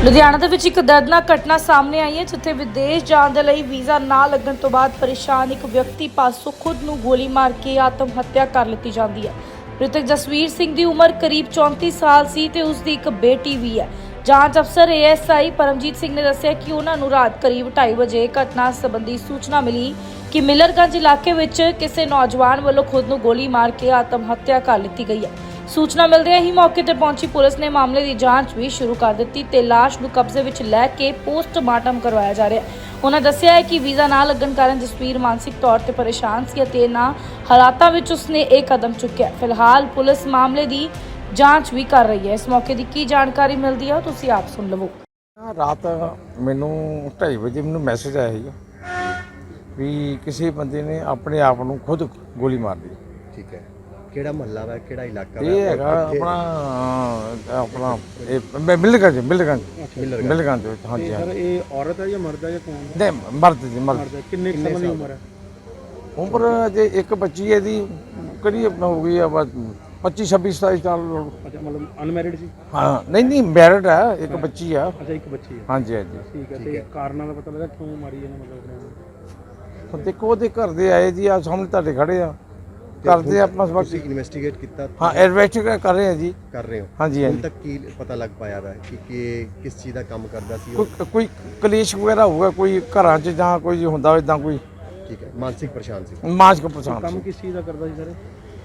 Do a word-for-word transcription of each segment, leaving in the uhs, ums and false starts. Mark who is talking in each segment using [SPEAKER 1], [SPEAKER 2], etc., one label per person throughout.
[SPEAKER 1] ਲੁਧਿਆਣਾ ਦੇ ਵਿੱਚ ਇੱਕ ਦਰਦਨਾਕ ਘਟਨਾ ਸਾਹਮਣੇ ਆਈ ਹੈ ਜਿੱਥੇ ਵਿਦੇਸ਼ ਜਾਣ ਦੇ ਲਈ ਵੀਜ਼ਾ ਨਾ ਲੱਗਣ ਤੋਂ ਬਾਅਦ ਪਰੇਸ਼ਾਨ ਇੱਕ ਵਿਅਕਤੀ ਪਾਸੋਂ ਖੁਦ ਨੂੰ ਗੋਲੀ ਮਾਰ ਕੇ ਆਤਮ ਹੱਤਿਆ ਕਰ ਲਿੱਤੀ ਜਾਂਦੀ ਹੈ। ਮ੍ਰਿਤਕ ਜਸਵੀਰ ਸਿੰਘ ਦੀ ਉਮਰ ਕਰੀਬ ਚੌਂਤੀ ਸਾਲ ਸੀ ਤੇ ਉਸ ਦੀ ਇੱਕ ਬੇਟੀ ਵੀ ਹੈ। ਜਾਂਚ ਅਫਸਰ A S I Paramjit Singh ਨੇ ਦੱਸਿਆ ਕਿ ਉਹਨਾਂ ਨੂੰ ਰਾਤ ਕਰੀਬ ਢਾਈ ਵਜੇ ਘਟਨਾ ਸੰਬੰਧੀ ਸੂਚਨਾ ਮਿਲੀ ਕਿ ਮਿਲਰਗੰਜ ਇਲਾਕੇ ਵਿੱਚ ਕਿਸੇ ਨੌਜਵਾਨ ਵੱਲੋਂ ਖੁਦ ਨੂੰ ਗੋਲੀ ਮਾਰ ਕੇ ਆਤਮ ਹੱਤਿਆ ਕਰ ਲਿੱਤੀ ਗਈ ਹੈ। ਸੂਚਨਾ ਮਿਲਦਿਆਂ ਹੀ ਮੌਕੇ ਤੇ ਪਹੁੰਚੀ ਪੁਲਿਸ ਨੇ ਮਾਮਲੇ ਦੀ ਜਾਂਚ ਵੀ ਸ਼ੁਰੂ ਕਰ ਦਿੱਤੀ ਤੇ ਲਾਸ਼ ਨੂੰ ਕਬਜ਼ੇ ਵਿੱਚ ਲੈ ਕੇ ਪੋਸਟਮਾਰਟਮ ਕਰਵਾਇਆ ਜਾ ਰਿਹਾ ਹੈ। ਉਹਨਾਂ ਦੱਸਿਆ ਹੈ ਕਿ ਵੀਜ਼ਾ ਨਾ ਲੱਗਣ ਕਾਰਨ ਜਸਵੀਰ ਮਾਨਸਿਕ ਤੌਰ ਤੇ ਪਰੇਸ਼ਾਨ ਸੀ ਅਤੇ ਇਹਨਾਂ ਹਾਲਾਤਾਂ ਵਿੱਚ ਉਸਨੇ ਇਹ ਕਦਮ ਚੁੱਕਿਆ। ਫਿਲਹਾਲ ਪੁਲਿਸ ਮਾਮਲੇ ਦੀ ਜਾਂਚ ਵੀ ਕਰ ਰਹੀ ਹੈ। ਇਸ ਮੌਕੇ ਦੀ ਕੀ ਜਾਣਕਾਰੀ ਮਿਲਦੀ ਹੈ ਉਹ ਤੁਸੀਂ ਆਪ ਸੁਣ ਲਵੋ।
[SPEAKER 2] ਰਾਤ ਮੈਨੂੰ ਢਾਈ ਵਜੇ ਮੈਨੂੰ ਮੈਸੇਜ ਆਇਆ ਸੀ ਵੀ ਕਿਸੇ ਬੰਦੇ ਨੇ ਆਪਣੇ ਆਪ ਨੂੰ ਖੁਦ ਗੋਲੀ ਮਾਰ ਲਈ।
[SPEAKER 3] ਠੀਕ ਹੈ, ਕਿਹੜਾ ਮਹੱਲਾ ਵਾ, ਕਿਹੜਾ ਇਲਾਕਾ ਵਾ?
[SPEAKER 2] ਇਹ ਹੈਗਾ ਆਪਣਾ ਆਪਣਾ ਇਹ ਮਿਲਰਗੰਜ ਮਿਲਰਗੰਜ ਮਿਲਰਗੰਜ ਵਿੱਚ। ਹਾਂਜੀ
[SPEAKER 4] ਸਰ, ਇਹ ਔਰਤ ਹੈ ਜਾਂ ਮਰਦ ਹੈ ਜਾਂ ਕੌਣ ਹੈ?
[SPEAKER 2] ਨਹੀਂ, ਮਰਦ ਜੀ ਮਰਦ।
[SPEAKER 4] ਮਰਦ ਹੈ। ਕਿੰਨੇ ਕੁ ਸਾਲਾਂ ਦੀ ਉਮਰ ਹੈ?
[SPEAKER 2] ਉਮਰ ਜੇ ਇੱਕ ਬੱਚੀ ਹੈ ਦੀ ਕਰੀਬ ਹੋ ਗਈ ਆ ਬਸ ਪੱਚੀ ਛੱਬੀ ਸਤਾਈ ਸਾਲ।
[SPEAKER 4] ਅੱਛਾ, ਮਤਲਬ ਅਨਮੈਰਿਡ ਸੀ?
[SPEAKER 2] ਹਾਂ, ਨਹੀਂ ਨਹੀਂ ਮੈਰਿਡ ਹੈ, ਇੱਕ ਬੱਚੀ ਆ।
[SPEAKER 4] ਅੱਛਾ, ਇੱਕ ਬੱਚੀ ਹੈ।
[SPEAKER 2] ਹਾਂਜੀ ਹਾਂਜੀ
[SPEAKER 4] ਠੀਕ ਹੈ। ਤੇ ਕਾਰਨਾਂ ਦਾ ਪਤਾ ਲੱਗਾ ਕਿਉਂ ਮਾਰੀ ਇਹਨੇ ਮਤਲਬ?
[SPEAKER 2] ਹੁਣ ਦੇਖੋ ਉਹਦੇ ਘਰ ਦੇ ਆਏ ਜੀ, ਆ ਸਾਹਮਣੇ ਤੁਹਾਡੇ ਖੜੇ ਆ, ਕਰਦੇ ਆਪਾਂ ਸਭ
[SPEAKER 3] ਤੁਸੀਂ ਇਨਵੈਸਟੀਗੇਟ ਕੀਤਾ?
[SPEAKER 2] ਹਾਂ, ਇਨਵੈਸਟੀਗੇਟ ਕਰ ਰਹੇ ਆ ਜੀ।
[SPEAKER 3] ਕਰ ਰਹੇ ਹੋ?
[SPEAKER 2] ਹਾਂਜੀ
[SPEAKER 3] ਹੁਣ
[SPEAKER 2] ਹਾਂਜੀ।
[SPEAKER 3] ਤੱਕ ਕੀ ਪਤਾ ਲੱਗ ਪਾਇਆ ਵਾ ਕਿ ਕਿ ਕਿਸ ਚੀਜ਼ ਦਾ ਕੰਮ ਕਰਦਾ ਸੀ ਉਹ?
[SPEAKER 2] ਕੋਈ ਕੋਈ ਕਲੇਸ਼ ਵਗੈਰਾ ਹੋਊਗਾ, ਕੋਈ ਘਰਾਂ 'ਚ ਜਾਂ ਕੋਈ ਹੁੰਦਾ ਇਦਾਂ ਕੋਈ
[SPEAKER 3] ਠੀਕ ਹੈ, ਮਾਨਸਿਕ ਪਰੇਸ਼ਾਨ ਸੀ।
[SPEAKER 2] ਮਾਸਕ ਪਛਾਣ
[SPEAKER 4] ਕੰਮ ਕਿਸ ਚੀਜ਼ ਦਾ ਕਰਦਾ ਸੀ ਸਰ?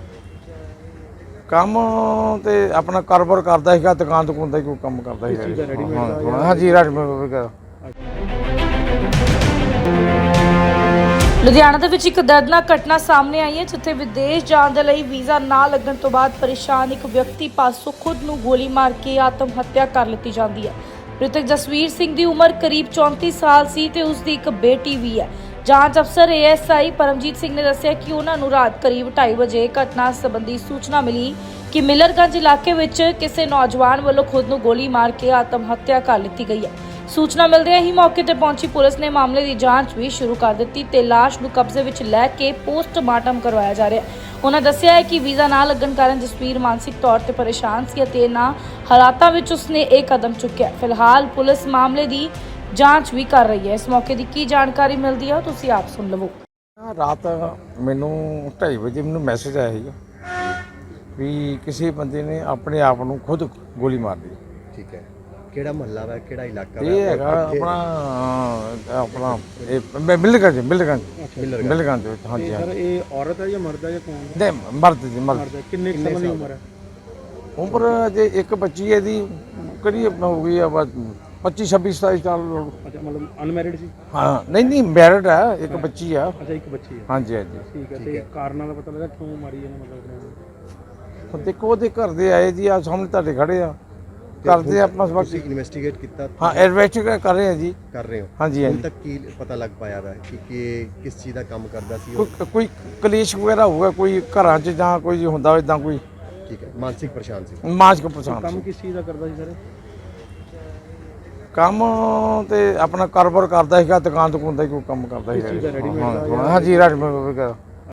[SPEAKER 2] ਕੰਮ ਤੇ ਆਪਣਾ ਕਾਰੋਬਾਰ ਕਰਦਾ ਸੀਗਾ, ਦੁਕਾਨ ਦੁਕਾਨ ਦਾ ਹੀ ਕੋਈ ਕੰਮ ਕਰਦਾ
[SPEAKER 4] ਕਿਸ ਚੀਜ਼ ਦਾ, ਰੈਡੀਮੇਡ ਦਾ
[SPEAKER 2] ਸੀਗਾ।
[SPEAKER 4] ਜਾਂ-
[SPEAKER 2] ਹਾਂਜੀ, ਰੈਡੀਮੇਡ ਵਗੈਰਾ।
[SPEAKER 1] ਲੁਧਿਆਣਾ ਦੇ ਵਿੱਚ ਇੱਕ ਦਰਦਨਾਕ ਘਟਨਾ ਸਾਹਮਣੇ ਆਈ ਹੈ ਜਿੱਥੇ ਵਿਦੇਸ਼ ਜਾਣ ਦੇ ਲਈ ਵੀਜ਼ਾ ਨਾ ਲੱਗਣ ਤੋਂ ਬਾਅਦ ਪਰੇਸ਼ਾਨ ਇੱਕ ਵਿਅਕਤੀ ਪਾਸੋਂ ਖੁਦ ਨੂੰ ਗੋਲੀ ਮਾਰ ਕੇ ਆਤਮ ਹੱਤਿਆ ਕਰ ਲਿੱਤੀ ਜਾਂਦੀ ਹੈ। ਮ੍ਰਿਤਕ ਜਸਵੀਰ ਸਿੰਘ ਦੀ ਉਮਰ ਕਰੀਬ ਚੌਂਤੀ ਸਾਲ ਸੀ ਤੇ ਉਸ ਦੀ ਇੱਕ ਬੇਟੀ ਵੀ ਹੈ। ਜਾਂਚ ਅਫਸਰ A S I Paramjit Singh ਨੇ ਦੱਸਿਆ ਕਿ ਉਹਨਾਂ ਨੂੰ ਰਾਤ ਕਰੀਬ ਢਾਈ ਵਜੇ ਘਟਨਾ ਸੰਬੰਧੀ ਸੂਚਨਾ ਮਿਲੀ ਕਿ ਮਿਲਰਗੰਜ ਇਲਾਕੇ ਵਿੱਚ ਕਿਸੇ ਨੌਜਵਾਨ ਵੱਲੋਂ ਖੁਦ ਨੂੰ ਗੋਲੀ ਮਾਰ ਕੇ ਆਤਮ ਹੱਤਿਆ ਕਰ ਲਿੱਤੀ ਗਈ ਹੈ। ਸੂਚਨਾ ਮਿਲਦਿਆਂ ਹੀ ਮੌਕੇ ਤੇ ਪਹੁੰਚੀ ਪੁਲਿਸ ਨੇ ਮਾਮਲੇ ਦੀ ਜਾਂਚ ਵੀ ਸ਼ੁਰੂ ਕਰ ਦਿੱਤੀ ਤੇ ਲਾਸ਼ ਨੂੰ ਕਬਜ਼ੇ ਵਿੱਚ ਲੈ ਕੇ ਪੋਸਟਮਾਰਟਮ ਕਰਵਾਇਆ ਜਾ ਰਿਹਾ ਹੈ। ਉਹਨਾਂ ਦੱਸਿਆ ਹੈ ਕਿ ਵੀਜ਼ਾ ਨਾ ਲੱਗਣ ਕਾਰਨ ਜਸਵੀਰ ਮਾਨਸਿਕ ਤੌਰ ਤੇ ਪਰੇਸ਼ਾਨ ਸੀ ਅਤੇ ਇਹਨਾਂ ਹਾਲਾਤਾਂ ਵਿੱਚ ਉਸਨੇ ਇਹ ਕਦਮ ਚੁੱਕਿਆ। ਫਿਲਹਾਲ ਪੁਲਿਸ ਮਾਮਲੇ ਦੀ ਜਾਂਚ ਵੀ ਕਰ ਰਹੀ ਹੈ। ਇਸ ਮੌਕੇ ਦੀ ਕੀ ਜਾਣਕਾਰੀ ਮਿਲਦੀ ਹੈ ਉਹ ਤੁਸੀਂ ਆਪ ਸੁਣ ਲਵੋ।
[SPEAKER 2] ਰਾਤ ਮੈਨੂੰ ਢਾਈ ਵਜੇ ਮੈਨੂੰ ਮੈਸੇਜ ਆਇਆ ਸੀ ਵੀ ਕਿਸੇ ਬੰਦੇ ਨੇ ਆਪਣੇ ਆਪ ਨੂੰ ਖੁਦ ਗੋਲੀ ਮਾਰ ਲਈ।
[SPEAKER 3] ਠੀਕ ਹੈ, ਕਿਹੜਾ ਮਹੱਲਾ ਵਾ, ਕਿਹੜਾ ਇਲਾਕਾ ਵਾ?
[SPEAKER 2] ਇਹ ਹੈਗਾ ਆਪਣਾ ਆਪਣਾ ਇਹ ਮਿਲਰਗੰਜ ਮਿਲਰਗੰਜ ਮਿਲਰਗੰਜ ਵਿੱਚ। ਹਾਂਜੀ
[SPEAKER 4] ਸਰ,
[SPEAKER 2] ਹਾਂਜੀ।
[SPEAKER 4] ਇਹ ਔਰਤ ਹੈ ਜਾਂ ਮਰਦ ਹੈ ਜਾਂ ਕੌਣ ਹੈ?
[SPEAKER 2] ਨਹੀਂ, ਮਰਦ ਜੀ ਮਰਦ।
[SPEAKER 4] ਮਰਦ ਹੈ। ਕਿੰਨੇ ਕੁ ਸਾਲਾਂ ਦੀ ਉਮਰ ਹੈ?
[SPEAKER 2] ਉਮਰ ਜੇ ਇੱਕ ਬੱਚੀ ਹੈ ਦੀ ਕਰੀਬ ਹੋ ਗਈ ਆ ਬਸ ਪੱਚੀ ਛੱਬੀ ਸਤਾਈ ਸਾਲ।
[SPEAKER 4] ਅੱਛਾ, ਮਤਲਬ ਅਨਮੈਰਿਡ ਸੀ?
[SPEAKER 2] ਹਾਂ, ਨਹੀਂ ਨਹੀਂ ਮੈਰਿਡ ਹੈ, ਇੱਕ ਬੱਚੀ ਆ।
[SPEAKER 4] ਅੱਛਾ, ਇੱਕ ਬੱਚੀ ਹੈ।
[SPEAKER 2] ਹਾਂਜੀ ਹਾਂਜੀ।
[SPEAKER 4] ਠੀਕ ਹੈ। ਤੇ ਕਾਰਨਾਂ ਦਾ ਪਤਾ ਲੱਗਾ ਕਿਉਂ ਮਾਰੀ ਇਹਨੇ ਮਤਲਬ?
[SPEAKER 2] ਹੁਣ ਦੇਖੋ ਉਹਦੇ ਘਰ ਦੇ ਆਏ ਜੀ, ਆ ਸਾਹਮਣੇ ਤੁਹਾਡੇ ਖੜੇ ਆ, ਕਰਦੇ ਆਪਾਂ ਸਭ।
[SPEAKER 3] ਤੁਸੀਂ ਇਨਵੈਸਟੀਗੇਟ ਕੀਤਾ?
[SPEAKER 2] ਹਾਂ, ਇਨਵੈਸਟੀਗੇਟ ਕਰ ਰਹੇ ਆ ਜੀ।
[SPEAKER 3] ਕਰ ਰਹੇ ਹੋ?
[SPEAKER 2] ਹਾਂਜੀ
[SPEAKER 3] ਹੁਣ
[SPEAKER 2] ਹਾਂਜੀ।
[SPEAKER 3] ਤੱਕ ਕੀ ਪਤਾ ਲੱਗ ਪਾਇਆ ਵਾ ਕਿ ਕਿ ਕਿਸ ਚੀਜ਼ ਦਾ ਕੰਮ ਕਰਦਾ ਸੀ ਉਹ?
[SPEAKER 2] ਕੋਈ ਕੋਈ ਕਲੇਸ਼ ਵਗੈਰਾ ਹੋਊਗਾ, ਕੋਈ ਘਰਾਂ 'ਚ ਜਾਂ ਕੋਈ ਹੁੰਦਾ ਇਦਾਂ ਕੋਈ
[SPEAKER 3] ਠੀਕ ਹੈ, ਮਾਨਸਿਕ ਪਰੇਸ਼ਾਨ ਸੀ।
[SPEAKER 2] ਮਾਸਕ ਪਛਾਣ।
[SPEAKER 4] ਕੰਮ ਕਿਸ ਚੀਜ਼ ਦਾ ਕਰਦਾ ਸੀ ਸਰ?
[SPEAKER 2] ਕੰਮ ਤੇ ਆਪਣਾ ਕਾਰੋਬਾਰ ਕਰਦਾ ਸੀਗਾ, ਦੁਕਾਨ ਦੁਕਾਨ ਦਾ ਹੀ ਕੋਈ ਕੰਮ ਕਰਦਾ
[SPEAKER 4] ਕਿਸ ਚੀਜ਼ ਦਾ,
[SPEAKER 2] ਸੀਗਾ।
[SPEAKER 4] ਰੈਡੀਮੇਡ ਦਾ ਜਾਂ-
[SPEAKER 2] ਹਾਂਜੀ, ਰੈਡੀਮੇਡ ਵਗੈਰਾ।